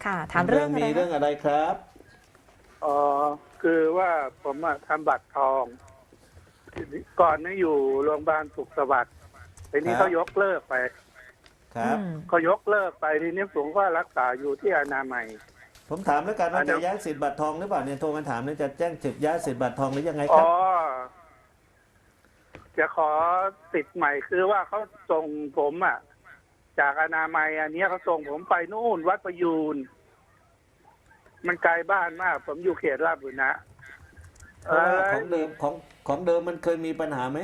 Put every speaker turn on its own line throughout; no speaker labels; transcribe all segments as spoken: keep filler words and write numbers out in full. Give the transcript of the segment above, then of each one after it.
ค่ะถามเรื่อง
มี
อะไร
เรื่องอะไรครับ
อ๋อคือว่าผมอะทำบัตรทอง ก่อนนี้อยู่โรงพยาบาลสุขสวัสดิ์ทีนี้
ครับ
เขายกเลิกไป
ครับ
อืม
เขายกเลิกไปทีนี้ผมก็รักษาอยู่ที่อนามัย
ผมถามแล้วกันว่า
อันนั้
จะ
น
ย้ายสิทธิ์บัตรทองหรือเปล่าเนี่ยโทรมาถามเนี่ยจะแจ้งสิทธิ์ย้ายสิทธิ์บัตรทองหรือยังไงค
อ๋
รั
อ
บ
จะขอติดใหม่คือว่าเขาส่งผมอ่ะ จากอนามัยอันเนี้ยเขาส่งผมไปนู่นวัดประยูนมันไกลบ้านมาก ผมอยู่เขตลาดบุรณะ
เพราะว่า
เอ่อ
ของเดิมของของเดิมมันเคยมีปัญหาไหม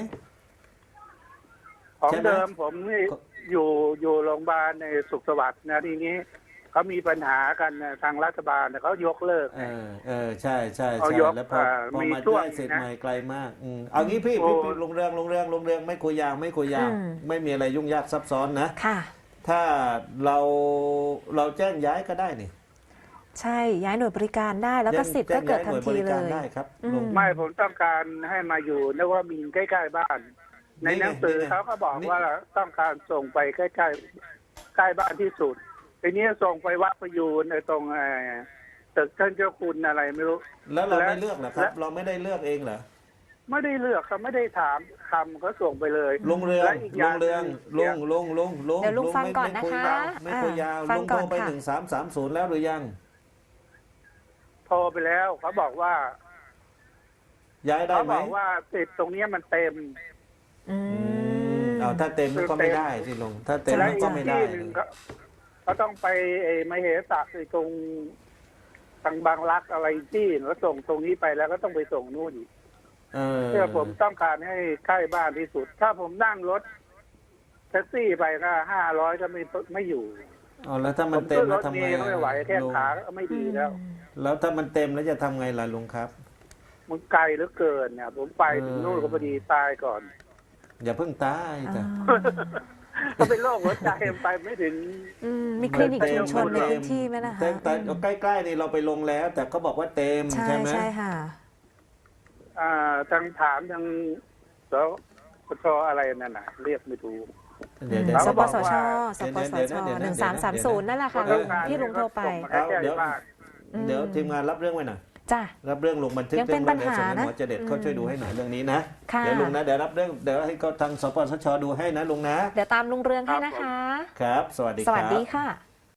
ของ
ใช่ไหม
เดิมผมนี่
ก็
อยู่อยู่โรงพยาบาลในสุขสวัสดิ์นะทีนี้เขามีปัญหากันนะทางรัฐบาลเนี่ยเขายกเลิก
เออเออใช่ใช่
เอา
ใช่
ยก
แล้วพอ
อ่า
พอ
มี
มา
ช่วง
ย้ายสิทธิ์
นะ
ใหม่ไกลมากอืมเอางี้พี่
โอ้
พี่พี่ลงเรื่องลงเรื่องลงเรื่องไม่คุยยาวไม่คุยยาว
อืม
ไม่มีอะไรยุ่งยากซับซ้อนนะ
ค่ะ
ถ้าเราเราแจ้งย้ายก็ได้นี่
ใช่ย้ายหน่วยบริการได้แล้วก็
แจ้ง
สิทธิ์ก็เกิดทันที
แจ้งย้ายหน่วยบริ
เล
การ
ย
ได้ครับ
อืม
ลง
ไม่ผมต้องการให้มาอยู่นว่ามีนใกล้ๆบ้าน ใน
นี่ไง
หนังสือ
นี่ไง
เขาก็บอก
นี่
ว่าต้องการส่งไปใกล้ๆใกล้บ้านที่สุดทีนี้ส่งไปวัดประยูนในตรงเอ่อตึกท่านเจ้าคุณอะไรไม่รู้
แล้วเรา
และ
ไม่เลือกเหรอครับ
และ
เราไม่ได้เลือกเองเหรอ
ไม่ได้เลือกเขาไม่ได้ถามคำเขาส่งไปเลย
ลงเรือง
และอีกอ
ล
ย่าง
งเรือง
หนึ่
ลงลงลงลง
เดี๋ยวลุงฟัง
ไม่
ก่อน
ไม่
นะคะ
ยาวไม่คุยยาว
อ่าฟั
ล
ง
ง
ก่
โท
อน
รไป
ค่ะ
หนึ่งสามสามศูนย์แล้วหรือยัง
โทรไปแล้วเขาบอกว่า
ย้ายได้
เขา
ไหม
บอกว่าติดตรงเนี้ยมันเต็ม
อื
อืม
ม
เอาถ้าเต็มมันก็ไม่ได้สิลงถ้าเต็ม
และ
มัน
อี
ก็
ก
ไม่ได้
ที่หนึ่งเขาเขาต้องไปเอ่อมเหสักไอ้ตรงทางบางรักอะไรที่แล้วส่งตรงนี้ไปแล้วก็ต้องไปส่งนู่นอีก
เออ
เพื่อผมต้องการให้ใกล้บ้านที่สุด ถ้าผมนั่งรถแท็กซี่ไปก็ห้าร้อยก็ไม่ไม่อยู่
เอาแล้วถ้า
ผ
มัน
ม
เต็
ขึ้
ม
นร
แล้ว
ถ
ทำ
เม
ไง
ล์ก็ไม่ไหวแค่
ลุง
ขาก็ไม่ดีแล้ว
แล้วถ้ามันเต็มแล้วจะทำไงล่ะลุงครับ
มันไกลเหลือเกินเนี่ยผมไปถึงนู่นก็พอดีตายก่อน
อย่าเพิ่งตายจ้ะ
ก็เป็นโรคหัวใจไปไม่ถึง
อืมมีคลินิกชุมชนในพื้นที่ไหมนะคะ
แต่แต่ใกล้ๆนี่เราไปลงแล้ว แต่เขาบอกว่าเต็ม
ใช่
ใช่ไหม
ใช่ค่ะ
อ่าทางถามทางสปชอะไรนั่นน่ะ เรียกไม่ถูก
เดี๋ยวเดี๋ยว
ส
เขา
ป
บอก
สช
ว่า
สปส
เดี๋ยว
ช
เดี๋ยว
ห
เดี๋
นึ่
ยว
งสามสามศูนย์นั่นแหละค่ะ
เดี๋ยว
ที่ลุงโทรไป
เอาเดี๋ยว
เดี๋ยวทีมงานรับเรื่องไว้หน่อย
จ้ะ
รับเรื่องลงบันทึก
ยังเป็น
เรื่องไว้
ปัญหา
เดี๋ยวส่งให้หมอ
นะ
เจเด็ดเขาช่วยดูให้หน่อยเรื่องนี้นะ
ค่ะ
เดี๋ยวลุงนะเดี๋ยวรับเรื่องเดี๋ยวให้เขาทางสปสชดูให้นะลุงนะ
เดี๋ยวตามลุงเรืองให้นะคะ
ครับ สวัสดีค
ส
รับ
วัสดีค่ะ